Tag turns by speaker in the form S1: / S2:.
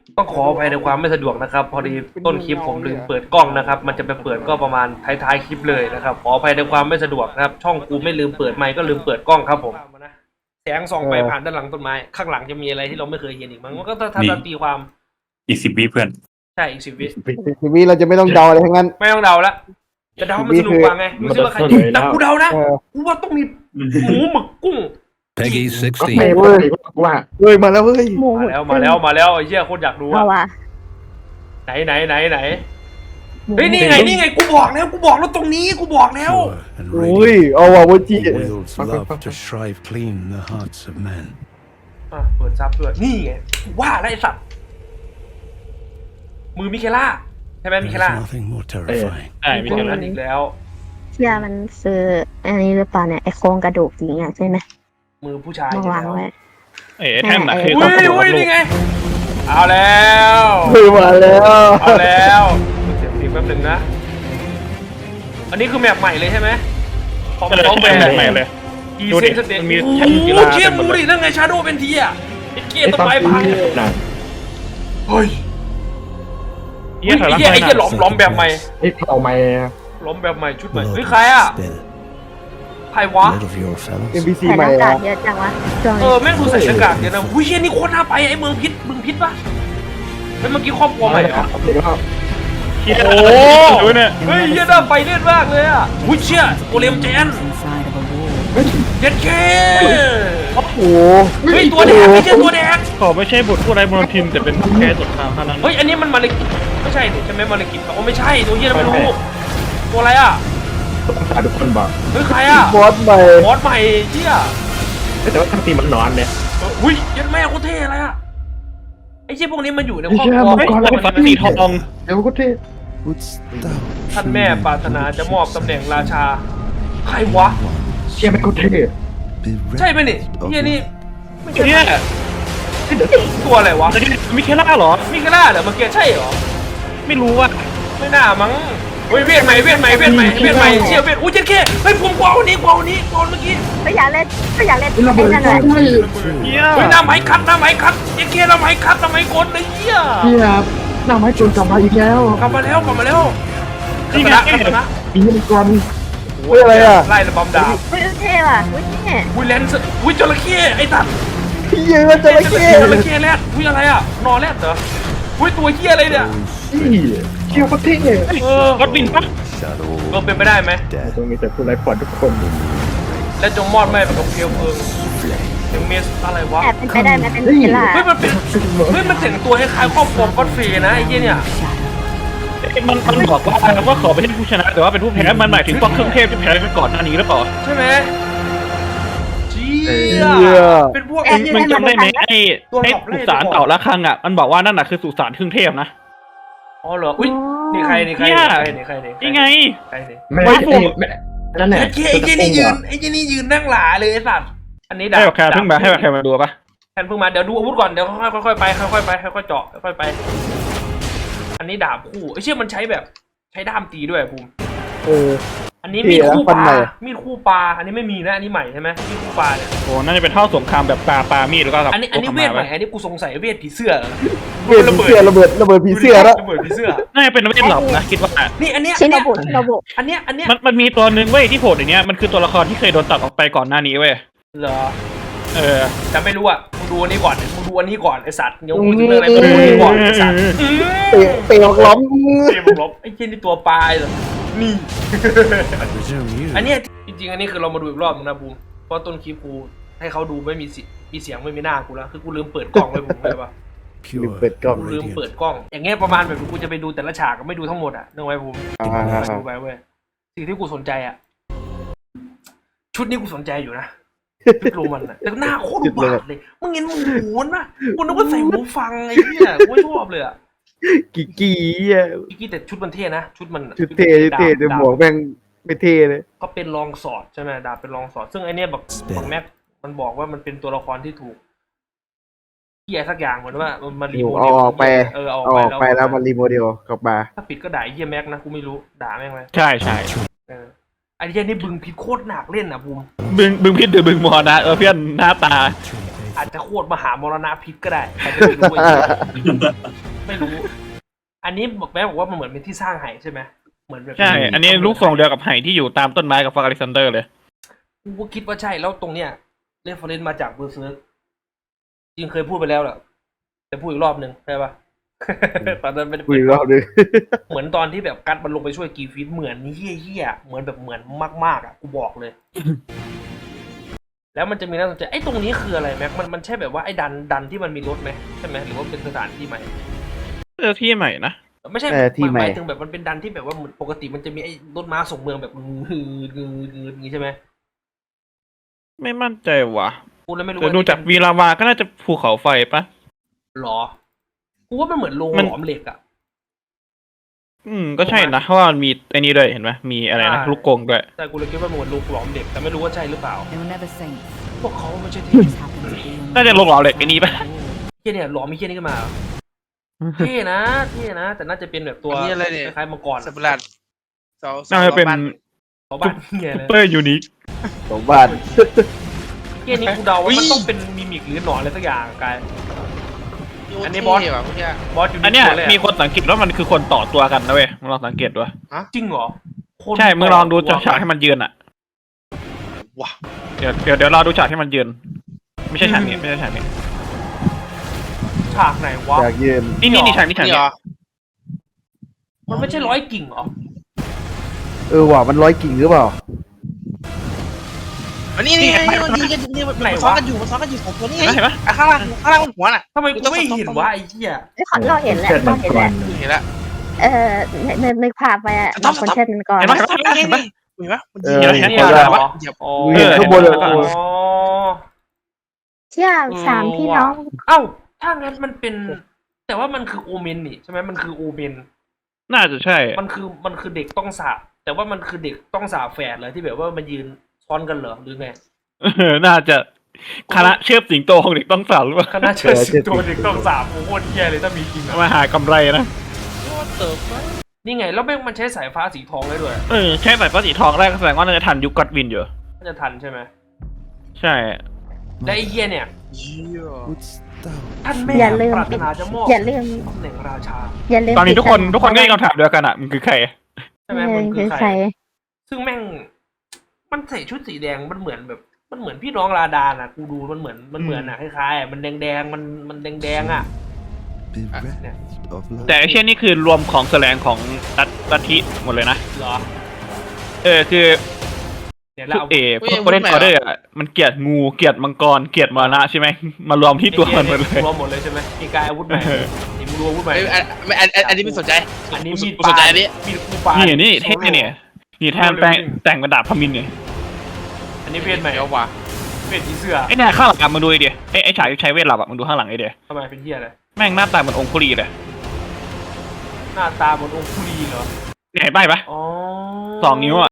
S1: ต้องขออภัยในความไม่สะดวกนะครับพอดีต้นคลิปผมลืมเปิดกล้องนะครับมันจะไปเปิดก็ประมาณท้ายๆคลิปเลยนะครับขออภัยในความไม่สะดวกนะครับช่องกูไม่ลืมเปิดไมค์ก็ลืมเปิดกล้องครับผมแสงส่องไปผ่านด้านหลังต้นไม้ข้างหลังจะมีอะไรที่เราไม่เคยเห็นอีกมั้งมันก็ถ้าตีความ
S2: อีก10 วิเพื่อน
S1: ใช่อีก10 วิ
S3: ทีวีเราจะไม่ต้องเดาอะไรทั้งนั้น
S1: ไม่ต้องเดาละจะเดามันสนุกกว่าไงรู้สึกว่าใครแต่กูเดานะกูว่าต้องมีหมูหมึกกุ้ง
S4: Peggy
S3: ก็
S4: 16.
S3: เว้ยว่าเฮ้ยมาแล้วเฮ้ย
S5: หมู
S1: มาแล้วไอ้เหี้ยโคตรอยากรู้
S5: เอา
S1: อะ
S5: ว่ะ
S1: ไหนเฮ้ยนี่ไงกูบอกแล้วตรงนี้กูบอกแล้ว
S4: Pure and
S3: โอ้ย
S4: radiant.
S3: เอาว่ะวันจี
S4: Wields love to shrive clean the hearts of men.
S1: เปิดซับด้วยนี่ไงว่าแล้วไอ้สัตว์มือมิเคล่าใช่ไหมมิเค
S4: There's
S1: ล่า
S4: nothing more terrifying.
S2: ใช่มี
S1: มี
S2: แค่
S1: แค่
S2: นั้
S1: นั้น นอีกแล้ว
S5: เชื่อมันซื้ออันนี้หรือเปล่าเนี่ยไอโครงกระดูกหญิงอ่ะใช่ไหม
S1: มือผู้ชาย
S5: มาวางไว้
S2: ไอ้แท่นน่ะคือ
S1: อุ้
S2: ต้อง
S1: ย
S2: กดลูก
S1: นี่ไงเอาแล้ว
S3: เฮ้ยมาแล้ว
S1: เอาแล้วเสียงตีแป๊บนึงนะอันนี้คือแมปใหม่เลยใช่ไหมของ
S2: ก็เลย
S1: ของ
S2: แบ
S1: แบบ บ
S2: ใหม่เลย
S1: อี
S2: ดู
S1: เซ
S2: ดิ
S1: นสเต
S2: มันมี
S1: โอ้
S2: แท่นกี
S1: โห
S2: ฬา
S1: เชี่ย
S2: เต็มหม
S1: มู
S2: ดเลย
S1: ดินั่นไงชาโดว์เป็นทีอ่ะไอ้เกียร์ต้นไม้พังเฮ้ย
S2: เหี้ยถอยหลัง
S1: ไอ้เหี้ยหลอมแบบใหม่
S3: ไอ้เอาไม้
S1: หลอมแบบใหม่ชุดใหม่
S4: Blood
S1: เฮ้ยใครอ่ะ
S4: spill.
S1: ใครวะ
S4: Blood of your fellows.
S3: NPC
S5: แต่
S3: ให
S5: ห
S3: ม่
S5: น้ากา
S3: อะ
S5: กเยอะจังวะช่วง
S1: เอ
S5: นี้
S1: อแม่งดูใส่หน้ากากเดี๋ยวนะหุ้ยเชี่ยนี่โคตรน่าไปไอ้เมืองพิษปะเฮ้ยเมื่อกี้ครอบครัวใหม่เหรอ
S2: เหี้ย
S1: โอ้
S2: ดูเนี่ย
S1: เฮ้ยเหี้ยน่าไปเล่นมากเลยอ่ะหุ้ยเชี่ยโอเลมเจนเย็ดเค
S3: โอ้โห
S1: เฮ้ยตัวแดงไม่ใช่ตัวแดง
S2: ขอไม่ใช่บทผู้ไร้มรทินแต่เป็นแค่สดทางเท่านั้น
S1: เฮ้ยอันนี้มันมาเลกิไม่ใช่ดิใช่ไหมมาเลกิโอ้ไม่ใช่ตัวเหี้ยไม่รู้ตัวอะไรอ่ะ
S6: ทุกคนบอก
S1: เฮ้ยใครอ่ะ
S3: บอสใหม่
S1: บอสใหม่เหี้ย
S6: แต่ว่าทั้งทีมมันนอนเนี่ย
S1: หุ้ยยัดแม่โคตรเท่อะไรอ่ะไอ้เชี่ยพวกนี้มันอยู่ในครอบ
S6: เชี่
S1: ค
S6: ย
S1: รัว
S6: มังกร
S2: ไอ้ฟันสีทอง
S6: เดี๋ยวก็เท่
S4: Wouldst thou
S1: ท่านแม่ปรารถนาจะมอบตำแหน่งราชาใครวะ
S6: เชี่ยมันก็เท่
S4: be
S1: ใช่ไหมนี่
S4: reft of
S1: เฮียนี่
S4: the
S1: ไม่ใช่
S2: เนี่ย
S1: ตัวอะไรวะ
S2: แต่ที่มิเคล่าเหรอ
S1: มิกาล่าเหรอเมื่อกี้ใช่เหรอ
S2: ไม่รู้ว่า
S1: ไม่น่ามั้งเฮ้ยเวทใหม่เชี่ยเวทอุ้ยเจ๊แค่เฮ้ยผมกวาวันนี้เมื่อกี้
S5: ไม่อยากเล่นไอ้นั่นเลย
S2: เหี้ย
S1: เฮ้ยหน้าไม้คัดเจ๊แค่หน้าไม้กดเลยเฮีย
S6: พี่ครับหน้าไม้จนกลับมาอีกแล้ว
S1: กลับมาแล้ว
S2: นี่ไง
S1: ชนะ
S6: มีมังกร
S3: เฮ้ยอะไรอ่ะ
S1: ไล่ระบำดาบ
S5: เฮ้ยเท่ว่ะเฮ้ยเนี่ย
S1: อุ้ยเลนส์อุ้ยจระเข้ไอ้ตัด
S3: พี่ยืนมาจระเข้
S1: จระเข้แรดอุ้ยอะไรอ่ะนอแรดเหรออุ้ยตัวเฮียอะไรเนี่ย
S6: นี่เชี่ยก็เท่
S2: รถบินปะ
S4: shadow
S1: ก็เป็นไปได้ไหม
S4: death.
S6: ตรงนี้แต่ผู้ไร้ปอดทุกคน
S1: และจงมอดไหม้เป็นของเพียวเพลิงถึงเมสอะไรวะ
S5: แอบเป็นไปได้ไหมเป็นเวลา
S1: เฮ้ยมันเป็นเฮ้ยมันแต่งตัวคล้ายๆครอบครัวก็อดฟรีนะไอ้เหี้ยเนี่ย
S2: มันบอกว่าขอไปให้ผู้ชนะแต่ว่าเป็นผู้แพ้มันหมายถึงพวกเครื่องเทพที่แพ้ไปก่อนหน้านี้หรือเปล่า
S1: ใช่ไหมเจี๊
S3: เหี้
S1: ย
S3: ย
S1: เป็นพวก
S2: มึงจำได้ไหมไอ้สุสานเต่าละครังอ่ะมันบอกว่านั่นน่ะคือสุสานเครื่องเทพนะ
S1: อ๋อเหรออุ้ยนี่ใคร
S2: นี่ไง
S1: ใครนี่
S6: ไม่นั่นแหละ
S1: ไอ้เหี้ยนี่ยืนนั่งหลาเลยไอ้สัตว์อันนี้ดาบ
S2: ให้แบบแคร์เพิ่งมาให้แบบแคร์มาดูปะ
S1: แทนเพิ่งมาเดี๋ยวดูอาวุธก่อนเดี๋ยวค่อยๆไปค่อยๆเจาะค่อยๆไป อันนี้ดาบคู่ไอ้เชี่ยมันใช้แบบใช้ด้ามตีด้วยภูมิ
S3: เออ
S1: อันนี้มีดคู่ป
S3: ฟัน
S1: ลา
S3: ใหม่
S1: มีดคู่ปลาอันนี้ไม่มีนะอันนี้ใหม่ใช่ไหมมีดคู่ปลาเนี่ย
S2: โอ้น่าจะเป็นเท่าสงครามแบบปลามีดแล้วก็
S1: อันนี้เวทใหม่อันนี้กูสงสัยเวทผีเสื้อเหรอ
S3: เวทผีเสื้อระเบิดผีเสื้อแล้ว
S1: ระเบิดผีเสื้อ
S2: น่าจะเป็นเวทหลอกนะคิดว่า
S1: นี่อันเนี้ย
S5: ชินโนบุ
S1: อันเนี้ย
S2: มันมีตัวนึงเว้ยที่โผล่อย่างเนี้ยมันคือตัวละครที่เคยโดนตัดออกไปก่อนหน้านี้เว้ย
S1: เหรอ
S2: เออ
S1: แต่ไม่รู้อ่ะมึงดูอันนี้ก่อนไอสัตว์เดี๋ยวมึงจะเรื่องอะไรมึงดูอันนี้ก่อนไอสัตว์
S3: เตะออกล้อม
S1: เตะมึงลบไอ้เจนี่ตัวปลายเหรอนี่
S4: I presume you
S1: อันเนี้ยจริงๆอันนี้คือเรามาดูอีกรอบนึงนะบูมเพราะต้นคลิปกูให้เขาดูไม่มีเสียงไม่มีหน้ากูแล้วคือกูลืมเปิดกล้องไว้ผมเลยปะ
S4: pure
S3: เปิดกล้อง
S1: กูลืม
S4: radiant.
S1: เปิดกล้อง อย่างเงี้ยประมาณแบบกูจะไปดูแต่ละฉากก็ไม่ดูทั้งหมดอ่ะนึกไว้ผม ดูไปเว้ยสิ่งที่กูสนใจอ่ะ ชุดนี้กูสนใจอยู่นะชุดโรมันอ่ะแต่หน้าโคตรบาดเลยมึงเห็นหูมันปะกูนึกว่าใส่หูฟังไอ้เนี่ยกูไม่ชอบเลยอ่ะ
S3: กี่อ่ะ
S1: พี่กี้แต่ชุดมันเท่นะชุดมัน
S3: ชุดเท่แต่หมวกแม่งไม่เท่เลย
S1: ก็เป็นรองสอดใช่ไหมดาบเป็นรองสอด ซึ่งไอเนี้ยบอกแม็กมันบอกว่ามันเป็นตัวละครที่ถูกเหี้ยสักอย่างเหมือนว่ามันมารีโมเด
S3: เอา
S1: ล
S3: ออกไป
S1: เอา
S3: ออกไปแล้ว
S1: มั
S3: มันรีโมเดลกลับมา
S1: ถ้าปิดก็ด่าไอ้เหี้ยแม็กนะกูไม่รู้ด่าแม่งไหม
S2: ใช่ใช่
S1: ไอ้เหี้ยนี่บึงผิดโคตรหนักเล่นอ่ะบูม
S2: บึงพิษหรือบึงมอนะเพื่อนหน้าตา
S1: อาจจะโคตรมหามรณะพิษก็ได้ใครจะไม่รู้ไอ้เหี้ยไม่รู้ อันนี้แม่บอกว่ามันเหมือนเป็นที่สร้างไหใช่ไหมเหมือนแบบ
S2: ใช่ อันนี้ลูกทรงเดียวกับไหที่อยู่ตามต้นไม้กับฟอร์อเล็กซานเดอร์เลย
S1: กูก็คิดว่าใช่แล้วตรงเนี้ยเรฟเฟอเรนซ์มาจากเบอร์เซิร์กจริงเคยพูดไปแล้วแหละจะพูดอีกรอบหนึ่งใช่ปะ ตอนนั้นไม่ได้
S3: คุยอีกรอบนึง
S1: เหมือนตอนที่แบบกัดมันลงไปช่วยกีฟีดเหมือนนี่เฮี้ยๆเหมือนแบบเหมือนมากๆอ่ะกูบอกเลย แล้วมันจะมีน่าสนใจไอ้ตรงนี้คืออะไรแม็กมันใช่แบบว่าไอ้ดันที่มันมีรถไหมใช่ไหมหรือว่าเป็นสถานที่ใหม่
S2: ที่ใหม่นะ
S1: ไม่ใช่
S3: ที่ใหม่
S1: หมายถึงแบบมันเป็นดันที่แบบว่าเหมือนปกติมันจะมีไอ้รถม้าส่งเมืองแบบงือย่างงี้ใช่ไหม
S2: ไม่มั่นใจว่ะ
S1: กูเลยไม่รู้
S2: แต่ดูจากวีลาวาก็น่าจะภูเขาไฟปะ
S1: หรอกูว่ามันเหมือนโรงห
S2: มัน
S1: ลอมเหล็กอ่ะ
S2: ก็ใช่นะ เพราะว่ามันมีไอ้นี่ด้วยเห็นไหมมีอะไรนะ
S1: ใช่
S2: ลูกกงด้วย
S1: แต่กูเลยคิดว่ามันเหมือนโรงหลอมเหล็กแต่ไม่รู้ว่าใช่หรือเปล่า
S7: They were never saints.
S1: พวกเขาไม่ใช่เทพ
S7: Just happened to be on
S2: น่าจะลงหล่อเหล็กไอ้นี่ปะ
S1: เฮี้ยเนี่ยหลอมมีเฮี้ยนี่ขึ้นมาเหรอเท่นะแต่น่าจะเป็นแบบตัว
S8: อันนี้อะไรเนี่ย
S1: คล้ายๆมังกร
S8: สับลัดสอง
S2: น่าจะเป็น
S1: ชาวบ้านเฮี้ย
S2: ซุป
S1: เลย
S2: เปอร์ยูนิค
S3: สองบ้าน
S1: เฮี้ยนี่กูเดาว่ามันต้องเป็นมิมิกหรือหนอนอะไรสักอย่างกาย อันนี้บอส
S8: ว่ะเมื่อกี้
S1: บอสอยู่
S2: อันเนี้ย
S1: ตัวเลย
S2: มีคนสังเกตว่ามันคือคนต่อตัวกันนะเว้ยมึงลองสังเกตดู
S1: จริงเหรอคน
S2: ใช่มึงลองดูฉากให้
S1: มัน
S2: มันยืนอ่ะ
S8: ว้า
S2: เดี๋ยวรอดูฉากให้มันยืน ไม่ใช่ฉากนี้ไม่ใช่ฉากนี้
S1: ฉากไหนวะ
S3: อยากยืน
S2: นี่ฉากนี้ฉาก
S8: นี่
S2: นี้
S8: เหรอ
S1: มันไม่ใช่ร้อยกิ่งเหรอ
S3: ว่ะมันร้อยกิ่งหรือเปล่า
S8: อันนี้นี่มันยิงกันนี่มันซ้อนกันอยู่สองตัวนี่ไง
S2: เห็นไหม
S8: ข้างล่างบนหัวน่ะ
S1: ทำไมกูไม่เห็นวะไอ้เหี้ย
S5: ไอ้ขอนเราเห็นแหละเราเห็นแหละ
S8: เห็นแล้ว
S5: นึกภาพไปอะ
S8: ต้
S5: บางคนเช่นมันก่อน
S2: เห็นไหม
S8: นี่
S2: เห็นไหม
S8: เห็นปะมัน
S3: เอ
S8: ยิง
S3: อ
S2: เห็น
S3: เห็น
S2: ไหม
S3: แล้ว
S1: เหรอ
S8: เหยียบ
S1: อ๋อ
S3: เห็นข้างบนเลย
S1: อ๋อ
S5: เชื่อสามพี่น้อง
S1: เอ้าถ้างั้นมันเป็น แต่ว่ามันคือโอเมนนี่ใช่ไหมมันคือโอเมน
S2: น่าจะใช่
S1: มันคือเด็กต้องสาบแต่ว่ามันคือเด็กต้องสาบแฝดเลยที่แบบว่ามันยืนซ้อนกันเหรอหรือไง
S2: น่าจะคณะเชือบสิงโตของเด็กต้องสาวหรือเปล่า
S1: คณะเชิดสิงโตเด็กต้องสาบโอ้โหโคตรเหี้ยเลยถ้ามีจริงอะ
S2: มาหากำไรนะ
S1: นี่ไงแล้วแม่งมันใช้สายฟ้าสีทองได้ด้วย
S2: ใช่สายฟ้าสีทองแรกก็แสดงว่าน่าจะทันยุคก็อดวินอยู่
S1: น่าจะทันใช่ไหม
S2: ใช่
S1: และไอ้เหี้ยเนี่ย
S8: เหี้ย
S4: Wouldst thou
S1: ท่านแม่
S5: อย่าลืม
S1: ปรารถนาจะมอบ
S5: อย่าลืม
S1: ตำแหน่งราชา
S5: อย่าลืม
S2: ตอนนี้ทุกคนก็มีคำถามเดียวกันอ่ะมันคือใคร
S1: ใช่ไหม
S5: เอ
S1: มั
S5: อน
S1: คื
S5: คือ อ
S1: ใค
S5: ใค
S1: ร
S5: ร
S1: ซึ่งแม่ง มันใส่ชุดสีแดงมันเหมือนแบบ มันเหมือนพี่น้องราดาน่ะ กูดูมันเหมือนอ่ะคล้ายๆอ่ะมันแดงๆมันแดงๆอ่ะ
S4: bereft of
S2: แต่
S4: love?
S2: ไอเช่นนี่คือรวมของแสลงของลัทธิหมดเลยนะ
S1: เหรอ
S2: คือ
S1: เนี่ยแล้วเอา
S2: พวกโกลเด้นออเดอร์มันเกลียดงูเกลียดมังกรเกลียดมรณะใช่ไหมมารวมที่ตัวมันหมดเลย
S1: รวมหมดเลยใช่ไหมมีกายอาวุธใหม่นี่มึงรู้อาวุธใหม่
S8: อันนี้ไม่สนใจ
S1: อันนี้มีด
S8: สนใจอันนี้
S1: มีดคู่ปลา
S2: นี่
S1: นี่
S2: เท่เนี่ยนี่แทนแต่งเป็นดาบพมินเนี่ย
S1: อันนี้เวทใหม่
S8: เดี๋ยวว่ะ
S1: เวทผีเสื้อ
S2: ไอ้เนี่ยข้างหลังมึงดูไอเดียไอ้ฉากที่ใช้เวทหลับมึงดูข้างหลังไอเดีย
S1: ทำไมเป็นเหี้ยอะไร
S2: แม่งหน้าตาเหมือนองคุลีเลย
S1: หน้าตาเหมือนองคุลีเหรอ
S2: เห็นป้ายปะ
S1: อ๋อ
S2: 2 นิ้ว